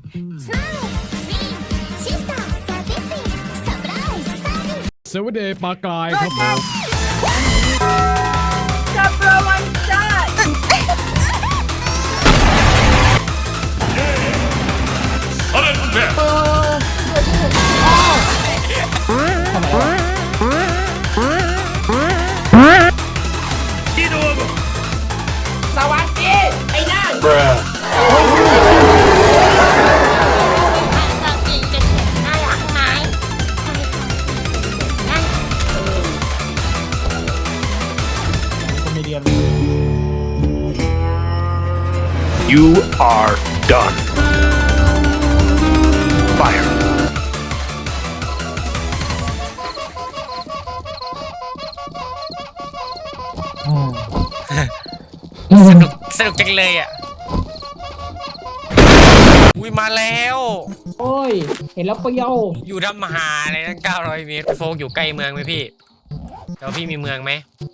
สวัสดีปลากายครับผมจับตัวมันได้สวัสดีไอ้นั่น You are done. Fire. สนุกจังเลยอ่ะอุ้ยมาแล้วโอ้ยเห็นแล้วเปรี้ยวอยู่ทำหาอะไรตั้ง900 เมตรโฟกอยู่ใกล้เมืองไหมพี่แต่ว่าพี่มีเมืองไหม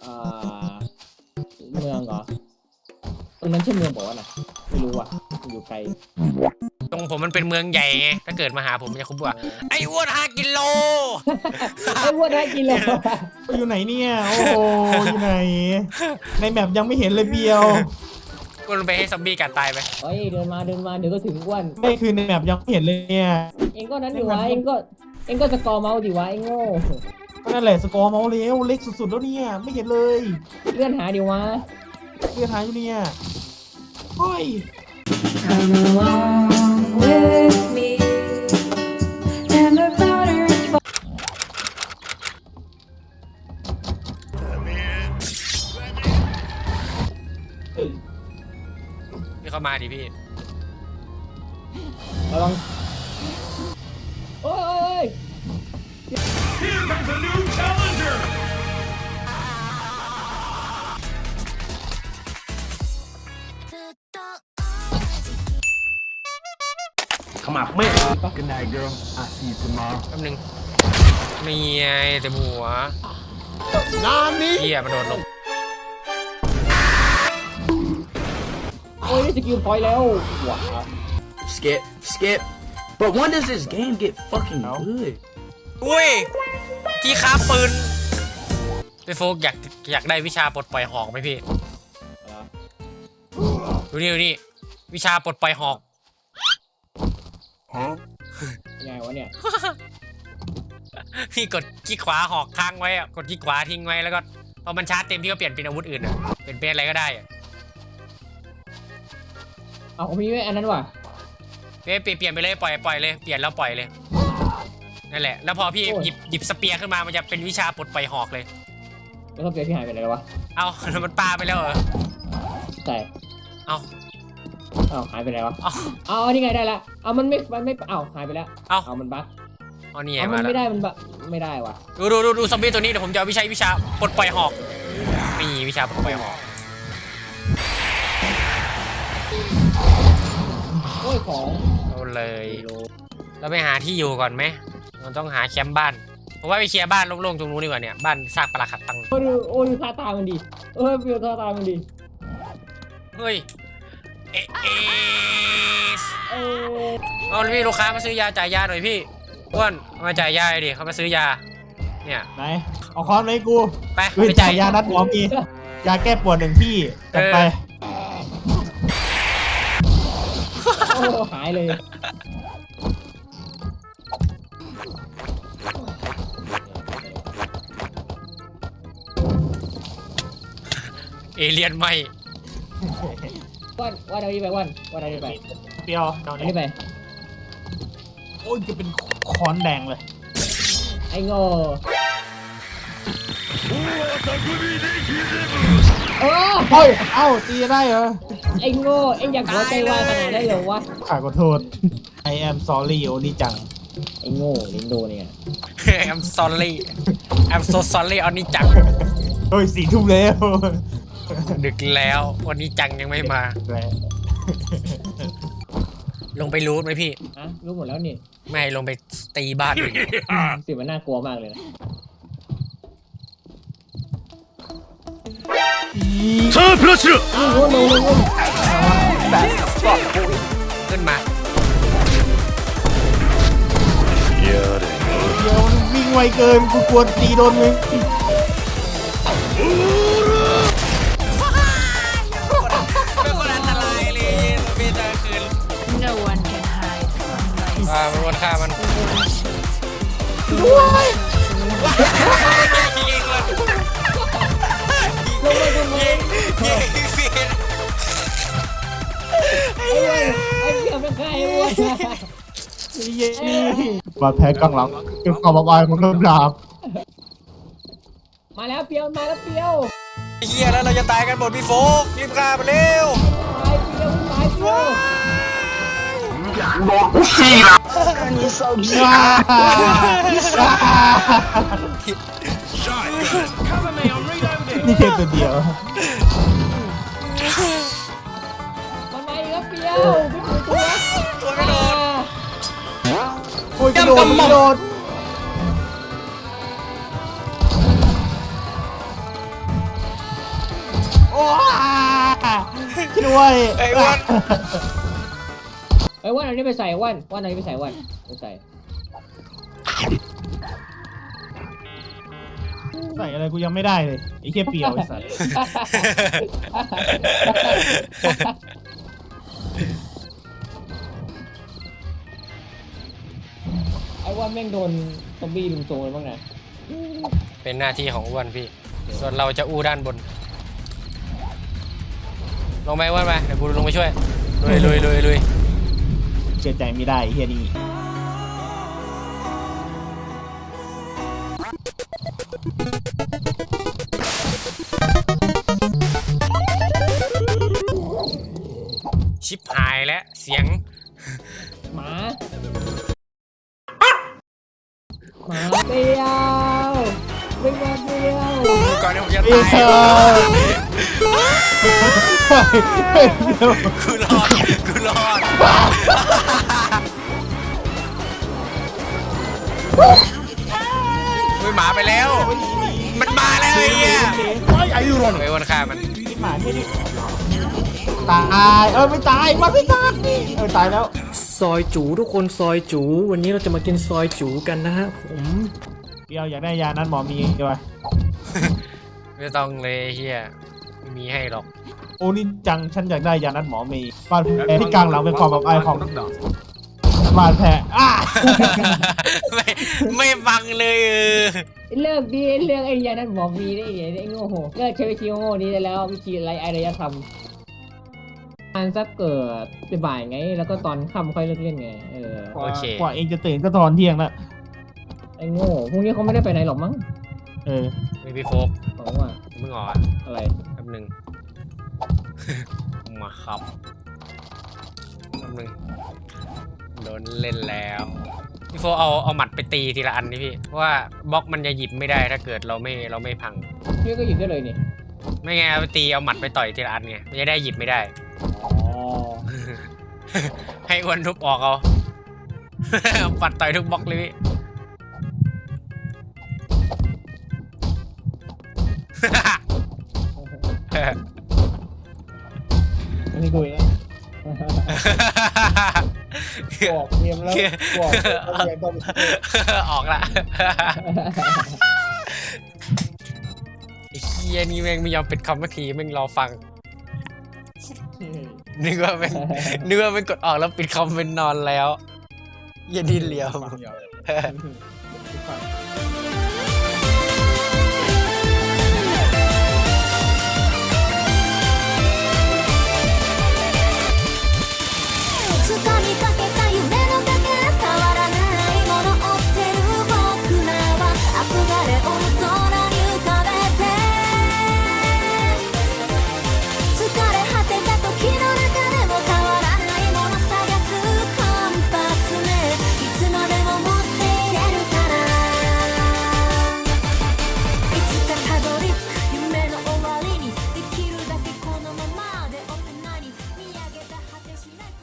เมืองเหรอตรงนั้นใช่เมืองบอกว่าน่ะไม่รู้อ่ะอยู่ไกลตรงผมมันเป็นเมืองใหญ่ไงถ้าเกิดมาหาผมจะคุ้มว่าไอ้อ้วน5 กิโลไอ้วัวได้กินเลยอยู่ไหนเนี่ยโอ้โหอยู่ไหนในแมปยังไม่เห็นเลยเบียวกูลงไปให้ซอมบี้กัดตายไปเฮ้ยเดินมาเดี๋ยวก็ถึงอ้วนไม่คือในแมปยังไม่เห็นเลยเนี่ยเองก็นั้นดิวะเองก็สกอร์เมาส์ดิวะไอ้โง่ก็นั่นแหละสกอร์เมาส์เร็วเล็กสุดๆแล้วเนี่ยไม่เห็นเลยเลื่อนหาดิวะเลือดหายอยู่เนี่ยเฮ้ย Come along with me and the powder is พี่เข้ามาดิพี่ระวังโอ้ยขมับไม่ Good night girl I see you tomorrow แป๊บนึงมีไงแต่หัวเหี้ยมันโดดลงโอ้ยได้สกิลพอยต์แล้วว้า Skip. But when does this game get fucking good? อุ้ยที่ค้าปืนพี่โฟกอยากได้วิชาปลดปล่อยหอกไหมพี่ดูนี่วิชาปลดปล่อยหอกยังไงวะเนี่ยพี่กดคลิกขวาหอกค้างไว้อะกดคลิกขวาทิ้งไว้แล้วก็พอมันชาร์จเต็มพี่ก็เปลี่ยนเป็นอาวุธอื่นอะเปลี่ยนเป็นอะไรก็ได้อะเอาผมมีไว้อันนั้นว่ะเปลี่ยนไปเลยปล่อยเลยเปลี่ยนแล้วปล่อยเลยนั่นแหละแล้วพอพี่หยิบสเปียร์ขึ้นมามันจะเป็นวิชาปลดปล่อยหอกเลยแล้วก็เปลี่ยนที่หายไปไหนแล้ววะเอาแล้วมันปาไปแล้วเหรอแต่เอาหายไปไหนวะเอานี่ไงได้ละเอามันไม่หายไปแล้วเอามันบั๊กเอานี่ไงมัมานไม่แล้วได้มันบั๊กไม่ได้ว่ะดูซอมบี้ตัวนี้เดี๋ยวผมจะเอาวิชาปลดปล่อยหอกมีวิชาปลดปล่อยหอกโอ้ยของเอาเลยเราไปหาที่อยู่ก่อนไหมเราต้องหาแคมป์บ้านผมว่าไปเคลียร์บ้านโล่งๆตรงนู้นดีกว่าเนี่ยบ้านซากปรักหักตังโอ้ยท่าตามันดีเปลี่ยนท่าตามันดีเฮ้ยเอาพี่ลูกค้ามาซื้อยาจ่ายยาหน่อยพี่อ้วนมาจ่ายยาดิเขามาซื้อยาเนี่ยไหนเอาค้อนเลยกูไปคือจ่ายยานัดหมอมียาแก้ปวด1 ที่จัดไปโอ้หายเลยเอเลียนไหมวันเอาดีไปวันเอาดีไปเปรี้ยวเดี๋ยวอันนี้นี้ไปโอ้ยจะเป็นค้อนแดงเลยไอ้โง่โอ้เฮ้ยเอ้าตีได้เหรอไอ้โง่เอ็งอยากหัวใจวายขนาดนั้นเหรอวะขอโทษ I am sorry โอนี่จังไอ้โง่ลิงโดเนี่ย I'm sorry I'm so sorry อันนี้จังเฮ้ย4 ทุ่มแล้วดึกแล้ววันนี้จังยังไม่มา ลงไปรูทไหมพี่รู้หมดแล้วนี่ไม่ลงไปตีบ้านอื่นสิมันน่ากลัวมากเลยนะさあプラッシュขึ้นมาไวเกินกูกลัวตีโดนมึงเป็นคนอันตรายเลยมีตาคืน No one can hide from my มันวนฆ่ามันด้วยยิงเลยลงมาทำไมยิงเสียไอ้เหี้ยเป็นใครวะเย้บาดแผลกลางหลังเป็นความอับอายของน้ำดาบมาแล้วเปียวมาแล้วเปียวเฮียแล้วเราจะตายกันหมดพี่โฟกรีบฆ่ามันเร็วตายเปียวตายเปียวนี่แค่ตัวเดียวมันมาอีกแล้วเปียวไม่ถูกตัวตัวไม่โดนโอ้ยกระโดดกระโดดโอ้ช่วยไอ้อ้วนไอ้วันอันนี้ไปใส่วันอันนี้ไปใส่วันไปใส่ใส่อะไรกูยังไม่ได้เลยไอ้แค่เปรียวไอ้สัสไอ้วันแม่งโดนซอมบี้ลุมโจมเลยบ้างนะเป็นหน้าที่ของอ้วนพี่ ส่วนเราจะอู้ด้านบน ลงไปอ้วนไปเดี๋ยวกูลงไปช่วยลุยเชื่อใจไม่ได้ไอ้เฮียนี่ชิบหายแล้วเสียงหมาเปียววิ่งมาเปียวก่อนที่ผมจะเฮ้ตายยกูรอดอุ้ยหมาไปแล้ว มันมาแล้วไอ้เหี้ยไอ้วันฆ่ามันหมาแค่นี้ตายไม่ตายมันไม่ตายตายแล้วซอยจูทุกคนซอยจู วันนี้เราจะมากินซอยจูกันนะฮะผมเปรียวอยากได้ยานั้นหมอมีใช่ปะไม่ต้องเลยไอ้เฮียไม่มีให้หรอกโอ้นี่จังฉันอยากได้ยานั้นหมอมีบาดแผลที่กลางหลังเป็นความอับอายของบาดแผลไม่ฟังเลยเลิกดีเรื่องไอ้ยานั่นหมอมีได้ไงไอ้โง่โหเลิกใช้วิธีโง่นี้ได้แล้ววิธีไรอารยธรรมมันสักเกิดบ่ายไงแล้วก็ตอนค่ำค่อยเลิกเล่นไงโอเคกว่าเองจะตื่นก็ตอนเที่ยงแล้วไอ้โง่พรุ่งนี้เขาไม่ได้ไปไหนหรอกมั้งไม่พี่โฟกบอกว่ามึงอ่อนอะไรแป๊บหนึง มาครับแป๊บหนึงโดนเล่นแล้วพี่โฟเอาหมัดไปตีทีละอันนี่พี่เพราะว่าบล็อกมันจะหยิบไม่ได้ถ้าเกิดเราไม่พังพี่ก็หยิบได้เลยนี่ไม่ไงเอาไปตีเอาหมัดไปต่อยทีละอันไงมันจะได้หยิบไม่ได้ ให้อ้วนทุบออกเอา ปัดต่อยทุกบล็อกเลยพี่อันนี้กูอีกแล้วบอกเตรียมแล้วบอกเรียนต้องออกละไอ้เฮียนี่แม่งไม่ยอมปิดคำสักทีแม่งรอฟัง นึกว่าเป็นกดออกแล้วปิดคอมเป็นนอนแล้วอย่าดิ้นเหลียว